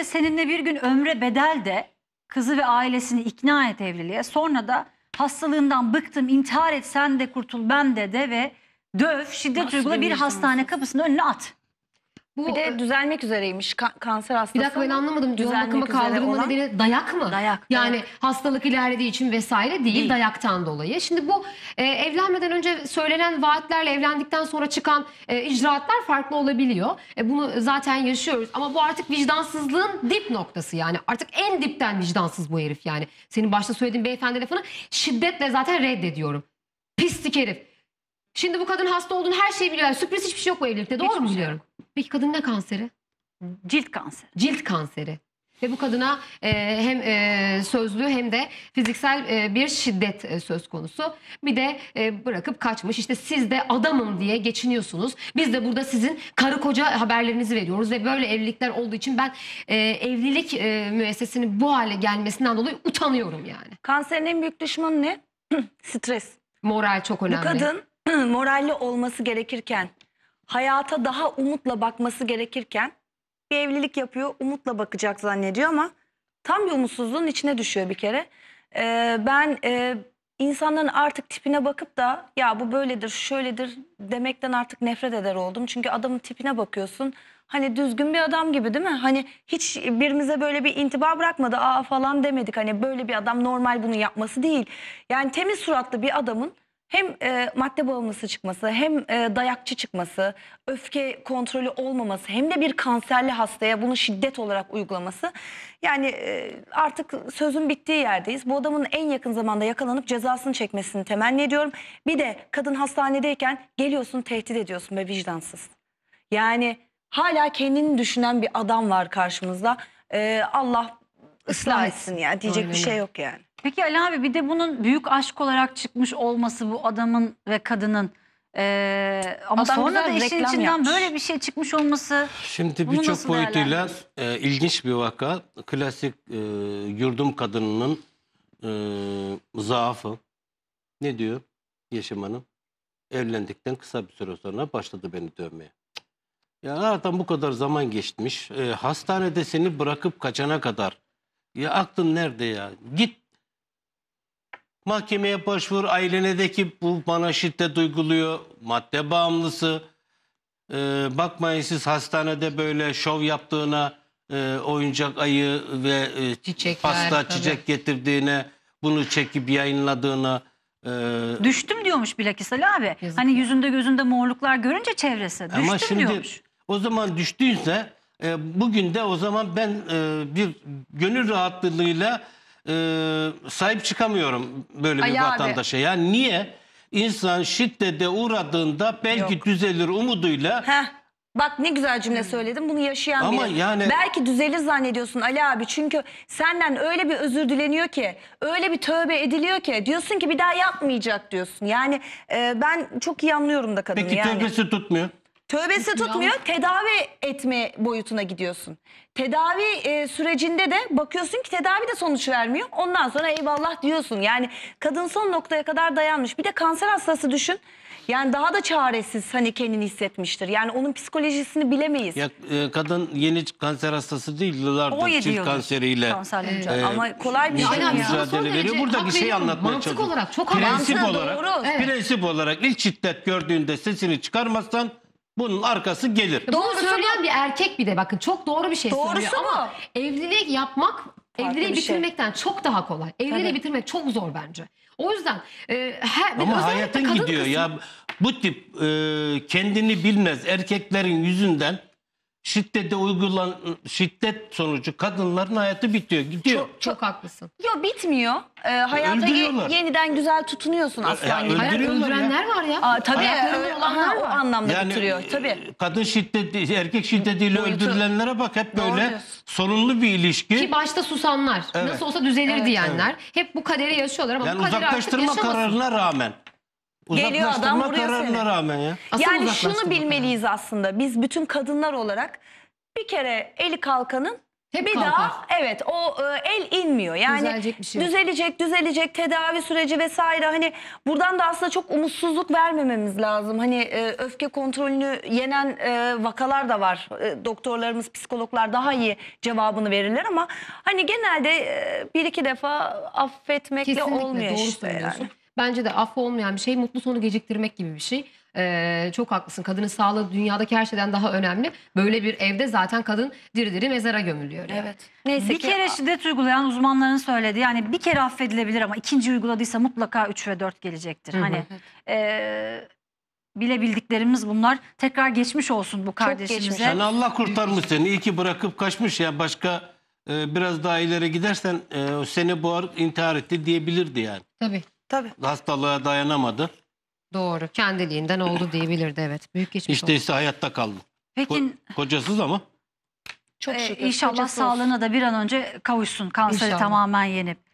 işte seninle bir gün ömre bedel de kızı ve ailesini ikna et evliliğe. Sonra da hastalığından bıktım, intihar et, sen de kurtul, ben de ve döv, şiddet Nasıl uygula, bir bir hastane vicdansız? kapısının önüne at. Bu, Bir de düzelmek üzereymiş kanser hastası. bir dakika ben anlamadım. Yoğun Düzelmek bakıma üzere kaldırılma olan- nedeni dayak mı? Dayak, Yani evet. hastalık ilerlediği için vesaire değil, Değil. dayaktan dolayı. Şimdi bu evlenmeden önce söylenen vaatlerle evlendikten sonra çıkan icraatlar farklı olabiliyor. Bunu zaten yaşıyoruz. Ama bu artık vicdansızlığın dip noktası yani. Artık en dipten vicdansız bu herif yani. Senin başta söylediğin beyefendi lafını şiddetle zaten reddediyorum. Pislik herif. Şimdi bu kadın hasta olduğunu her şeyi biliyor. Yani sürpriz hiçbir şey yok bu evlilikte. Doğru Hiçbir mu şey biliyorum? Peki kadın ne kanseri? Cilt kanseri. Cilt kanseri. Ve bu kadına hem sözlü hem de fiziksel bir şiddet söz konusu. Bir de bırakıp kaçmış. İşte siz de adamım diye geçiniyorsunuz. Biz de burada sizin karı koca haberlerinizi veriyoruz. Ve böyle evlilikler olduğu için ben evlilik müessesesinin bu hale gelmesinden dolayı utanıyorum yani. Kanserin en büyük düşmanı ne? Stres. Moral çok önemli. Bu kadın moralli olması gerekirken, hayata daha umutla bakması gerekirken bir evlilik yapıyor, umutla bakacak zannediyor ama tam bir umutsuzluğun içine düşüyor bir kere. Ben insanların artık tipine bakıp da ya bu böyledir, şöyledir demekten artık nefret eder oldum. Çünkü adamın tipine bakıyorsun. Hani düzgün bir adam gibi değil mi? Hani hiç birimize böyle bir intiba bırakmadı. Aa falan demedik. Hani böyle bir adam normal bunu yapması değil. Yani temiz suratlı bir adamın hem madde bağımlısı çıkması, hem dayakçı çıkması, öfke kontrolü olmaması, hem de bir kanserli hastaya bunu şiddet olarak uygulaması. Yani artık sözün bittiği yerdeyiz. Bu adamın en yakın zamanda yakalanıp cezasını çekmesini temenni ediyorum. Bir de kadın hastanedeyken geliyorsun tehdit ediyorsun be vicdansız. Yani hala kendini düşünen bir adam var karşımızda. Allah ıslah etsin ya, diyecek Aynen bir şey öyle. yok yani. Peki Ali abi, bir de bunun büyük aşk olarak çıkmış olması bu adamın ve kadının, ama Adam sonra da güzel işin reklam içinden yapmış. böyle bir şey çıkmış olması, Şimdi bunu birçok nasıl boyutuyla değerlendiriyorsun? ilginç bir vaka. Klasik yurdum kadınının zaafı. Ne diyor Yeşim Hanım? Evlendikten kısa bir süre sonra başladı beni dövmeye. Cık. Ya aradan bu kadar zaman geçmiş. Hastanede seni bırakıp kaçana kadar. Ya aklın nerede ya? Git mahkemeye başvur. Ailene de ki bu bana şiddet uyguluyor. Madde bağımlısı. Bakmayın siz hastanede böyle şov yaptığına, oyuncak ayı ve Çiçekler, pasta tabii. çiçek getirdiğine, bunu çekip yayınladığına. Düştüm diyormuş bilakis Ali abi. Yazık Hani ya. yüzünde gözünde morluklar görünce çevresi. Düştüm Ama şimdi diyormuş. o zaman düştüyse bugün de o zaman ben bir gönül rahatlığıyla sahip çıkamıyorum böyle bir Ali abi. vatandaşa. Yani niye? İnsan şiddete uğradığında belki Yok. düzelir umuduyla. Heh. Bak ne güzel cümle söyledim. Bunu yaşayan Ama biri. yani- Belki düzelir zannediyorsun Ali abi. Çünkü senden öyle bir özür dileniyor ki, öyle bir tövbe ediliyor ki, diyorsun ki bir daha yapmayacak diyorsun. Yani ben çok iyi anlıyorum da kadını. Peki yani. tövbesi tutmuyor. Tövbesi tutmuyor, tedavi etme boyutuna gidiyorsun. Tedavi sürecinde de bakıyorsun ki tedavi de sonuç vermiyor. Ondan sonra eyvallah diyorsun. Yani kadın son noktaya kadar dayanmış. Bir de kanser hastası düşün. Yani daha da çaresiz hani kendini hissetmiştir. Yani onun psikolojisini bilemeyiz. Ya kadın yeni kanser hastası değil, yıllardır 17 cilt yıldır kanseriyle kanserle mücadele. Ama kolay bir şey Yani mi ya? sana son mücadele veriyor. derece Buradaki hak şeyi veriyorum. anlatmaya Mantık çalışıyorum. olarak çok Prensip Mantığı olarak, doğru. Evet. prensip olarak ilk şiddet gördüğünde sesini çıkarmazsan bunun arkası gelir. Bunu Doğrusu söyleyen bir erkek bir de bakın çok doğru bir şey Doğrusu söylüyor ama evlilik yapmak evliliği bir şey. bitirmekten çok daha kolay. Evliliği Tabii. bitirmek çok zor bence. O yüzden Ama özellikle hayatın kadın gidiyor kısmı- ya. Bu tip kendini bilmez erkeklerin yüzünden şiddet sonucu kadınların hayatı bitiyor, gidiyor. Çok haklısın. Yok bitmiyor. Hayata Öldürüyorlar. yeniden güzel tutunuyorsun aslan gibi. Hayat Öldürüyorlar ya. öldürenler var ya. Tabii Hayatlarında olanlar o var. anlamda bitiriyor. Tabii. Kadın şiddeti, erkek şiddetiyle Boyutu. öldürülenlere bak, hep Doğru böyle diyorsun. sorunlu bir ilişki. Ki başta susanlar. Evet. Nasıl olsa düzelir Evet. diyenler. Hep bu kaderi yaşıyorlar ama Yani bu kaderi artık uzaklaştırma yaşamasın. kararına rağmen. Geliyor adam, Uzaklaştırma vuruyor kararına seni. rağmen ya. Asıl Yani uzaklaştırma şunu bilmeliyiz aslında biz bütün kadınlar olarak, bir kere eli kalkanın Hep bir kalkar. daha evet o el inmiyor. Yani Düzelecek bir şey yok. düzelecek tedavi süreci vesaire. Hani buradan da aslında çok umutsuzluk vermememiz lazım. Hani öfke kontrolünü yenen vakalar da var. Doktorlarımız, psikologlar daha iyi cevabını verirler ama hani genelde bir iki defa affetmekle Kesinlikle olmuyor doğru işte söylüyorsun. yani. Bence de affı olmayan bir şey, mutlu sonu geciktirmek gibi bir şey. Çok haklısın. Kadının sağlığı dünyadaki her şeyden daha önemli. Böyle bir evde zaten kadın diri diri mezara gömülüyor. Yani. Evet. Neyse Bir ki kere şiddet uygulayan uzmanların söylediği, yani bir kere affedilebilir ama ikinci uyguladıysa mutlaka 3 ve 4 gelecektir. Hı hı. Hani bilebildiklerimiz bunlar. Tekrar geçmiş olsun bu geçmiş. kardeşimize. Yani Allah kurtarmış seni. İyi ki bırakıp kaçmış ya. Başka biraz daha ileri gidersen seni boğar, intihar etti diyebilirdi yani. Tabii. Hastalığa dayanamadı. Doğru. Kendiliğinden oldu diyebilirdi, evet. Büyük geçmiş İşte olsun. ise hayatta kaldı. Peki Kocasız ama. çok şükür. inşallah Kocası olsun. sağlığına da bir an önce kavuşsun. Kanseri İnşallah. tamamen yenip.